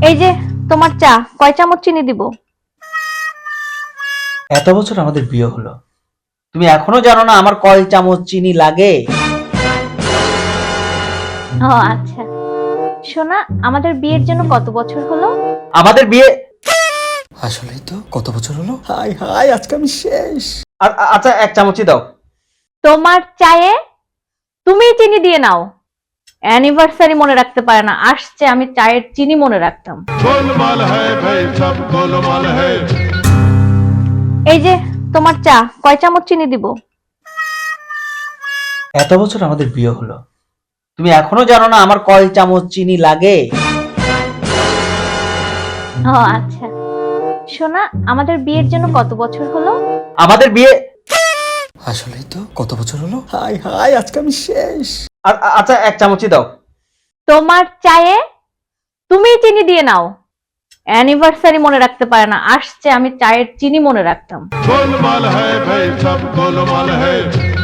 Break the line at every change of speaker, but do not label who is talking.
এই যে তোমার চা, কয় চামচ চিনি দিব?
এত বছর আমাদের বিয়ে হলো, তুমি এখনো জানো না আমার কয় চামচ চিনি লাগে?
ও আচ্ছা। সোনা, আমাদের বিয়ের জন্য কত বছর হলো?
আমাদের বিয়ে আসলেই তো কত বছর হলো? হাই হাই, আজকে আমি শেষ। আচ্ছা, এক চামচই দাও।
তোমার চায়ে তুমিই চিনি দিয়ে নাও। অ্যানিভার্সারি মনে রাখতে পারে না, আসছে আমি চায়ের চিনি মনে রাখতাম।
गोलमाल है भाई, सब गोलमाल है।
এই যে তোমার চা, কয় চামচ চিনি দিব?
এত বছর আমাদের বিয়ে হলো, তুমি এখনো জানো না আমার কয় চামচ চিনি লাগে?
ও আচ্ছা। সোনা, আমাদের বিয়ের জন্য কত বছর হলো?
আমাদের বিয়ে আসলেই তো কত বছর হলো? হাই হাই, আজকে আমি শেষ। আচ্ছা, এক চামচই দাও।
তোমার চায়ে তুমিই চিনি দিয়ে নাও। অ্যানিভার্সারি মনে রাখতে পারে না, আসছে আমি চায়ের চিনি মনে রাখতাম।
गोलमाल है भाई, सब गोलमाल है।